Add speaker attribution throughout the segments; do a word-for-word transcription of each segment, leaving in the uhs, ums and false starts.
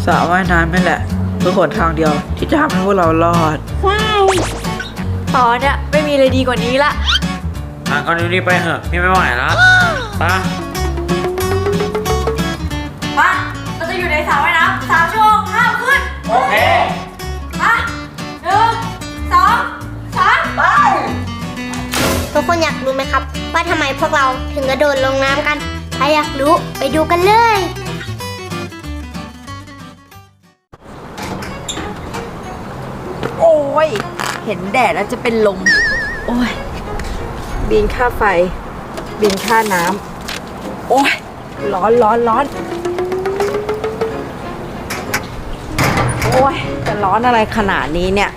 Speaker 1: สระว่ายน้ำนี่แหละคือหนทางเดียวที่จะทำให้พวกเรารอด
Speaker 2: ว้าวตอนเนี้ยไม่มีอะไรดีกว่านี้ละ
Speaker 3: อ่ะก็รีบไปเถอะพี่ไม่ไหวแล้วไป
Speaker 2: มาเราจะอยู่ในสระว่ายน้ำสามชั่วโมงห้ามขึ้น
Speaker 3: โอเค
Speaker 2: มาหนึ่งสองสามไป
Speaker 4: ทุกคนอยากรู้ไหมครับว่าทำไมพวกเราถึงกระโดดลงน้ำกันถ้าอยากรู้ไปดูกันเลย
Speaker 2: โอ้ยเห็นแดดแล้วจะเป็นลมโอ้ยบินค่าไฟบินค่าน้ำโอ้ยร้อนร้อนร้อนโอ้ยจะร้อนอะไรขนาดนี้เนี่ย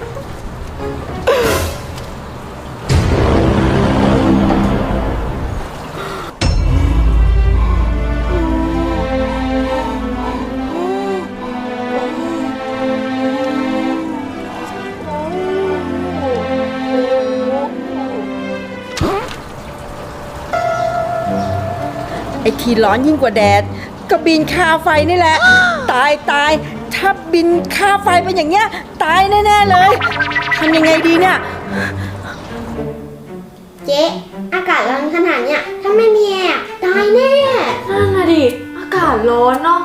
Speaker 2: ไอทีร้อนยิ่งกว่าแดดก็บินค่าไฟนี่แหละ ตายตายถ้าบินค่าไฟเป็นอย่างเงี้ยตายแน่ๆเลยทำยังไงดีเนี่ย
Speaker 4: เจ๊อากาศร้อนขนาดเนี้ยถ้าไม่มีแอร์ตายแน่
Speaker 2: นั่นน่ะดิอากาศร้อนเนาะ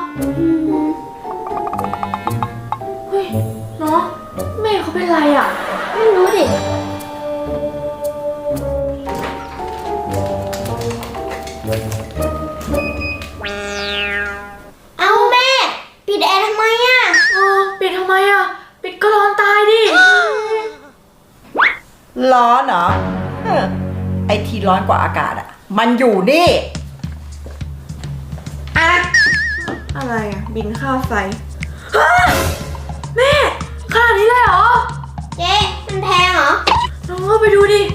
Speaker 2: เฮ้ยเนาะแม่เขาเป็นไรอ่ะ
Speaker 4: ไม่รู้ดิเอาแม่ปิดแอร์ทำไมอ่ะ
Speaker 2: เออปิดทำไมอ่ะปิดก็ร้อนตายดิ
Speaker 5: ร้อนเหรอไอที่ร้อนกว่าอากาศอ่ะมันอยู่นี่อะ
Speaker 2: อะไรอ่ะบินค่าไฟแม่ขนาดนี้เลยเหรอ
Speaker 4: เจ๊มันแพงเหรอ
Speaker 2: ลองเข้าไปดูดิ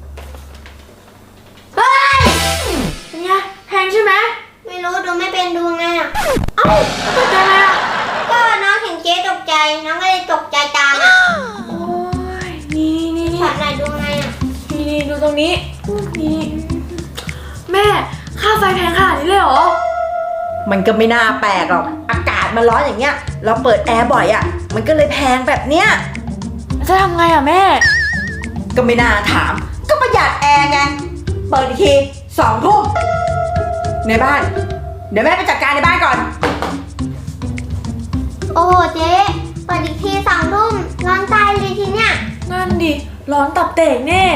Speaker 2: เฮ้ยเป็นไงแพงใช่ไหม
Speaker 4: ไม่รู้ดูไม่เป็นดูไงอ่ะ
Speaker 2: เอ้าตกใจอะไรอ่ะ
Speaker 4: ก็น้องเห็นเจ๊ตกใจน้องก็เลยตกใจตามอ่ะ
Speaker 2: โอ้ยนี่นี่นี่
Speaker 4: ช็อตไหนดูไงอ่ะ
Speaker 2: นี่นี่ดูตรงนี้นี่แม่ค่าไฟแพงขนาดนี้เลยเหรอ
Speaker 5: มันก็ไม่น่าแปลกหรอกอากาศมันร้อนอย่างเงี้ยเราเปิดแอร์บ่อยอ่ะมันก็เลยแพงแบบเนี้ย
Speaker 2: จะทำไงอ่ะแม่
Speaker 5: ก็ไม่น่าถามก็ประหยัดแอร์ไงเปิดอีกทีสองทุ่มในบ้านเดี๋ยวแม่ไปจัดการในบ้านก่อน
Speaker 4: โอ้โหเจ๊เปิดอีกทีสองทุ่มร้อนตายเลยทีเนี้ย
Speaker 2: นั่นดิร้อนตับแตกแน่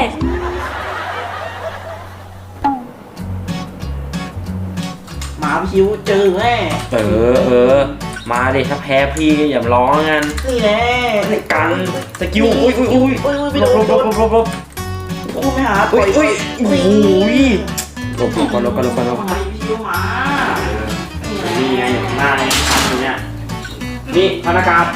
Speaker 1: มาพี่ชิวเจอแม่
Speaker 3: เออเออมาดิถ้าแพ้พี่อย่าร้องกัน
Speaker 1: นี่แหละ
Speaker 3: กันสกิลอุ้ยอุ้ยอุ้ยหลบหลบหลบหลบหลบ
Speaker 1: โอ้ไม่หา
Speaker 3: อุ้ยอุ้ยโอ้ยหลบหลบก่อนหลบก่อนหลบก่อนหลบ
Speaker 1: พี่ชิวมา
Speaker 3: นี่ไงอยู่ข้างหน้านี่ครับตรงเนี้ยนี่พนักงาน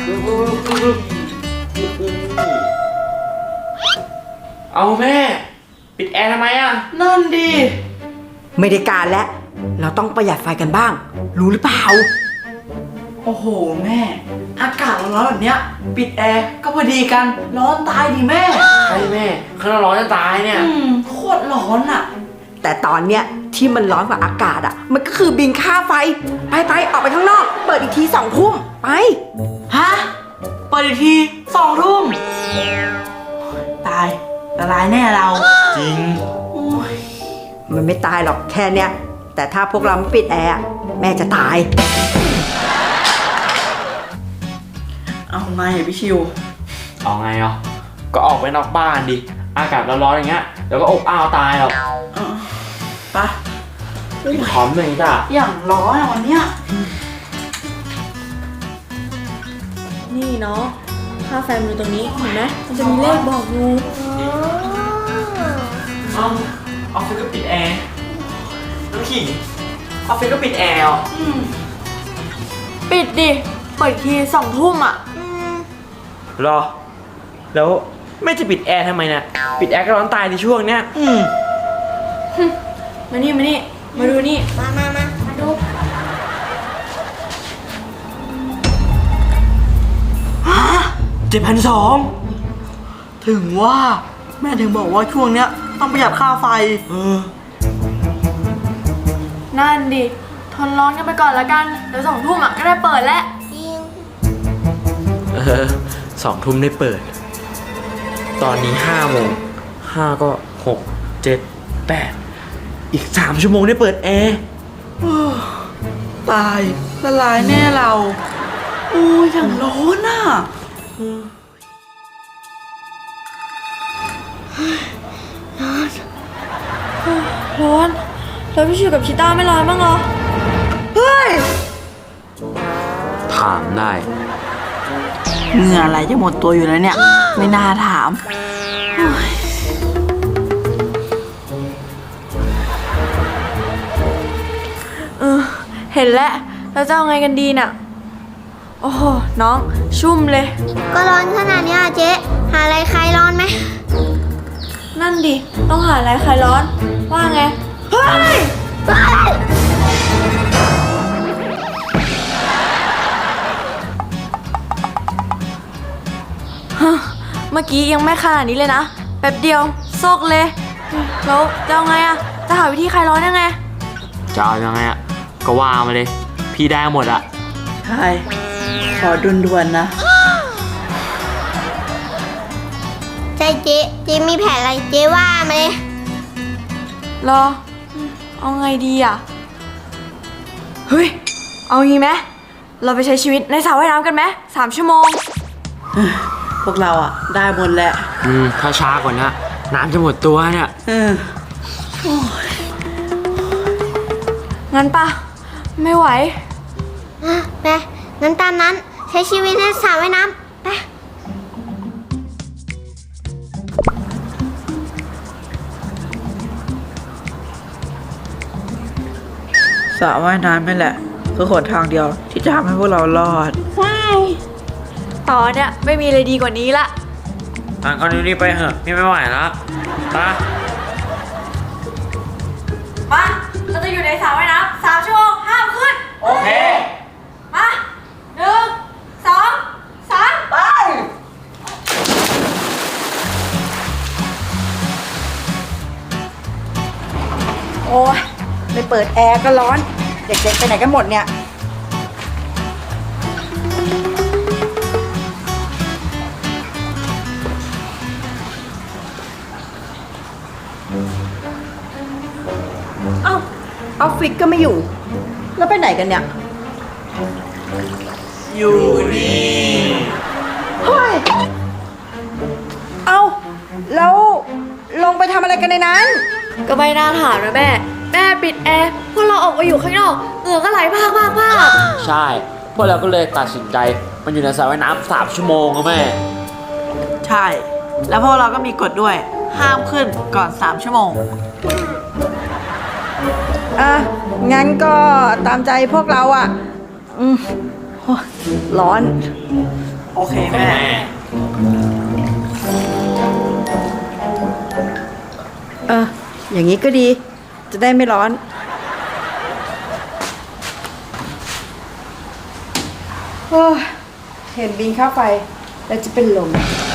Speaker 3: เอาแม่ปิดแอร์ทำไมอ่ะ
Speaker 1: นั่นดิ
Speaker 5: ไม่ได้การแล้วเราต้องประหยัดไฟกันบ้างรู้หรือเปล่า
Speaker 1: โอ้โหแม่อากาศร้อนแบบเนี้ยปิดแอร์ก็พอดีกันร้อนตายดิแม่
Speaker 3: ใช่แม่ข้างนอกร้อนจะตายเนี่ย
Speaker 1: โคตรร้อนอ่ะ
Speaker 5: แต่ตอนเนี้ยที่มันร้อนกว่าอากาศอ่ะมันก็คือบินค่าไฟไปไปออกไปข้างนอกเปิดอีกทีสองทุ่มไป
Speaker 1: ฮะเปิดอีกทีสองทุ่มตายละลายแน่เรา
Speaker 3: จริง
Speaker 5: มันไม่ตายหรอกแค่เนี้ยแต่ถ้าพวกเราไม่ปิดแอร์แม่จะตาย
Speaker 1: เอาไงพี่ชิว
Speaker 3: เอาไงอ่ะก็ออกไปนอกบ้านดิอากาศร้อนๆอย่างเงี้ยเดี๋ยวก็อบอ้าวตายหรอก
Speaker 1: ไป
Speaker 3: กินหอมเลยจ้ะ
Speaker 1: อย่างร้อนวันเนี้ย
Speaker 2: นี่เนาะค่าไฟมันอยู่ตรงนี้เห็นไหมมันจะมีเลขบอกอยู่
Speaker 3: เอาออฟฟิศก็ปิดแอร์น้ำขิงออฟฟิศก็ปิดแอร์อ่ะ
Speaker 2: ปิดดิเปิดทีสองทุ่มอ่ะ
Speaker 3: รอแล้วไม่จะปิดแอร์ทำไมเนี่ยปิดแอร์ก็ร้อนตายในช่วงเนี้ย
Speaker 2: อืมมานี่มานี่มาดูนี่
Speaker 4: มามามามาดู
Speaker 1: ฮะเจ็ดพันสองถึงว่าแม่ถึงบอกว่าช่วงเนี้ยต้องประหยัดค่าไฟเออ
Speaker 2: นั่นดิทนร้อนกันไปก่อนละกันเดี๋ยวสองทุ่มอ่ะก็ได้เปิดแล้ว
Speaker 4: จริง
Speaker 3: อสองทุ่มได้เปิด ตอนนี้ห้าโมงห้าก็หกเจ็ดแปดอีกสามชั่วโมงได้เปิดแอร์
Speaker 1: ตายละลายแน่เรา โอ้ยอย่างร้อนอ่ะ
Speaker 2: ร้อน แล้วพี่ชิวกับชิต้าไม่ร้อนบ้างเหรอ
Speaker 1: เฮ้ย
Speaker 3: ถามได้
Speaker 1: เหงื่ออะไรจะหมดตัวอยู่แล้วเนี่ย ไม่น่าถามโอ้ย
Speaker 2: เออ เห็นแล้ว แล้วจะเอาไงกันดีน่ะ โอ้โห น้องชุ่มเลย
Speaker 4: ก็ร้อนขนาดเนี้ยเจ๊หาอะไรคลายร้อนไหม
Speaker 2: นั่นดิ ต้องหาอะไรคลายร้อน ว่าไง เฮ้ย ฮะ เมื่อกี้ยังไม่ขนาดนี้เลยนะ แป๊บเดียวโซกเลย แล้วจะเอาไงอะจะหาวิธีคลายร้อนยังไง
Speaker 3: จะเอายังไงอ่ะ ก็ว่ามาเลย พี่ได้หมดอ่ะ
Speaker 1: ใช่ ขอด่วนๆนะ
Speaker 4: ใช่เจ๊เจ๊มีแผนอะไรเจ๊ว่ามาเลย
Speaker 2: รอ เอาไงดีอ่ะ เฮ้ย เอางี้ไหม เราไปใช้ชีวิตในสระว่ายน้ำกันไหมสามชั่วโมง
Speaker 1: พวกเราอ่ะ ได้หมดแหละ
Speaker 3: อืม ถ้าช้ากว่านี้น้ำจะหมดตัวเนี่ย
Speaker 1: เออ
Speaker 2: งั้นปะไม่ไหว
Speaker 4: อ่ะไปงั้นตามนั้นใช้ชีวิตในสระว่ายน้ำไป
Speaker 1: สระว่ายน้ำนี่แหละ คือหนทางเดียวที่จะทำให้พวกเรารอด
Speaker 2: ตอนเนี้ยไม่มีอะไรดีกว่านี้ละ
Speaker 3: อ่ะก็รีบไปเถอะพี่ไม่ไหวแล้วไป
Speaker 2: มา เราจะอยู่ในสระว่ายน้ำสามชั่วโมงห้ามขึ้น
Speaker 3: โอเค
Speaker 2: มาหนึ่งสองสามไป
Speaker 5: โอ้ยไม่เปิดแอร์ก็ร้อน เด็กๆไปไหนกันหมดเนี่ย เอ้าออฟฟิศก็ไม่อยู่ แล้วไปไหนกันเนี่ย
Speaker 1: อยู่นี่
Speaker 5: เฮ้ย เอ้า แล้วลงไปทำอะไรกันในนั้น
Speaker 2: ก็ไม่น่าถามนะแม่ แม่ปิดแอร์พวกเราออกมาอยู่ข้างนอกเหงื่อก็ไหลพากพากพาก
Speaker 3: ใช่ พวกเราก็เลยตัดสินใจมันอยู่ในสระว่ายน้ำสามชั่วโมงอะแม่
Speaker 1: ใช่ แล้วพวกเราก็มีกฎด้วย ห้ามขึ้นก่อนสามชั่วโมง
Speaker 5: อ่ะ งั้นก็ตามใจพวกเราอ่ะ อืมโอ้ยร้อน
Speaker 1: โอเคแม่
Speaker 5: เออ อย่างนี้ก็ดี จะได้ไม่ร้อน โอ้ยเห็นบินค่าไฟ แล้วจะเป็นลม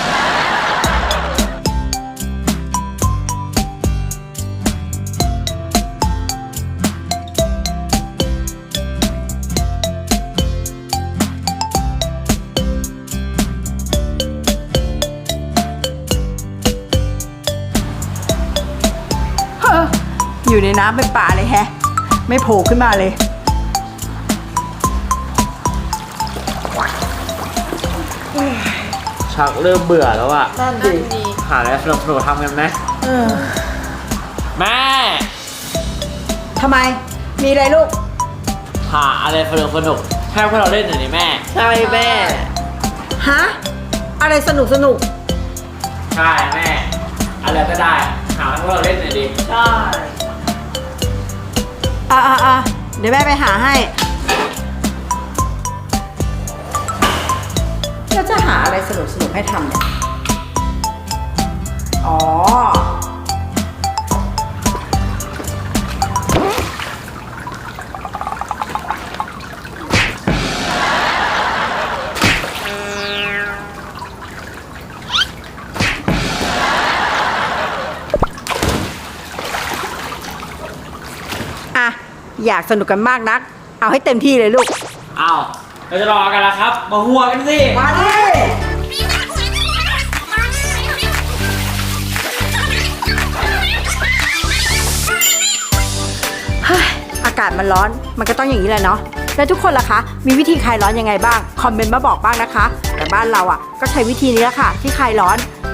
Speaker 5: อยู่ในน้ำเป็นป่าเลยแฮะ ไม่โผล่ขึ้นมาเลย
Speaker 3: ชักเริ่มเบื่อแล้วอะ
Speaker 1: นั่นดิ
Speaker 3: หาอะไรสนุกๆทำกันไหม
Speaker 1: เออ
Speaker 3: แม่
Speaker 5: ทำไม มีอะไรลูก
Speaker 3: หาอะไรสนุกสนุกๆให้พวกเราเล่นหน่อยดิแม่
Speaker 1: ใช่แม่
Speaker 5: ฮะ อะไรสนุกสนุก
Speaker 3: ใช่แม่ อะไรก็ได้ หาให้พวกเราเล่นหน่อยดิ
Speaker 1: ใช่
Speaker 5: อ่ะอ่ะอ่ะเดี๋ยวแม่ไปหาให้ แล้วจะหาอะไรสนุกสนุกให้ทำเนี่ย อ๋อ อ่ะ อยากสนุกกันมากนัก เอาให้เต็มที่เลยลูก
Speaker 3: อ้าวเราจะรอกันแล้วครับ มาหัวกันสิ
Speaker 5: มาดิ
Speaker 2: เฮ้ยอากาศมันร้อน มันก็ต้องอย่างนี้แหละเนาะ แล้วทุกคนล่ะคะ มีวิธีคลายร้อนยังไงบ้าง คอมเมนต์มาบอกบ้างนะคะ แต่บ้านเราอ่ะก็ใช้วิธีนี้แหละค่ะที่คลายร้อน